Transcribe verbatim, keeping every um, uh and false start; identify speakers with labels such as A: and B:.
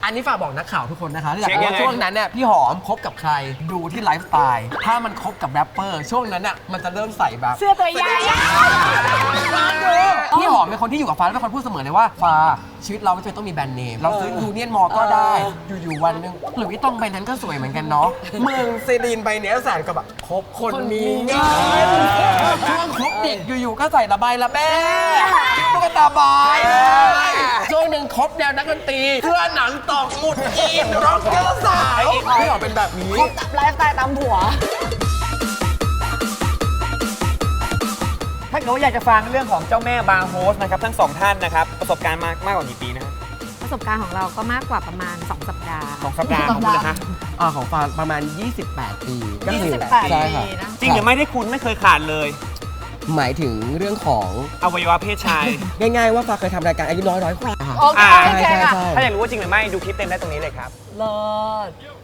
A: อันนี้ฝากบอกนักข่าวทุกคนนะคะที่อยาก
B: เช็ค
A: รู้
B: ยัง
A: ว่า
B: ไง
A: ช่วงนั้นเนี่ยพี่หอมคบกับใครดูที่ไลฟ์สไตล์ถ้ามันคบกับแรปเปอร์ช่วงนั้นน่ะมันจะเริ่มใส่แบบ
C: เสื้อตัวใหญ่
A: พี่หอมเป็นคนที่อยู่กับฟ้าแล้วเป็นคนพูดเสมอเลยว่าฟ้าชีวิตเราไม่จำเป็นต้องมีแบรนด์เนมเราซื้อยูเนียนมอก็ได้อยู่ๆวันหนึงหรือวิตองใบนั้นก็สวยเหมือนกันเนาะมึงซีรีนใบเนี้ยแสนกับแบบคบคนมีเงินช่วงคบเด็กอยู่ๆก็ใส่ระบายระแบ้ตุ๊กตาบายเลยช่วงหนึ่งคบแนวนักดนตรีเสื้อหนังตอกหมุดอีนร็อกเกอร์สาวพี่หอมเป็นแบบนี้
C: คบกับไลฟ์สไตล์ตามผัว
B: ถ้าเกิดว่าอยากจะฟังเรื่องของเจ้าแม่บาร์โฮสนะครับทั้งสองท่านนะครับประสบการณ์มากมากกว่ากี่ปีนะครับ
D: ประสบการณ์ของเราก็มากกว่าประมาณ สอง สัปดาห์
B: สองสัปดาห์ของคุณนะฮะ
A: อ่าของฟานประมาณ ยี่สิบแปด ปีก็คือ
C: ยี่สิบแปด
A: ใช่ค่ะ
C: ปีนะ
B: จริงหรือไม่ได้คุณไม่เคยขาดเลย
A: หมายถึงเรื่องของ
B: อวัยวะเพศชาย
A: ง่ายๆว่าฟ้าเคยทำรายการอายุน้อยร้อยกว่า
C: โอเค
B: อ่า
C: โอเคค่ะ
A: ใช่
B: ถ้าอยากรู้ว่าจริงหรือไม่ดูคลิปเต็มได้ตรงนี้เลยครับ
C: เลิศ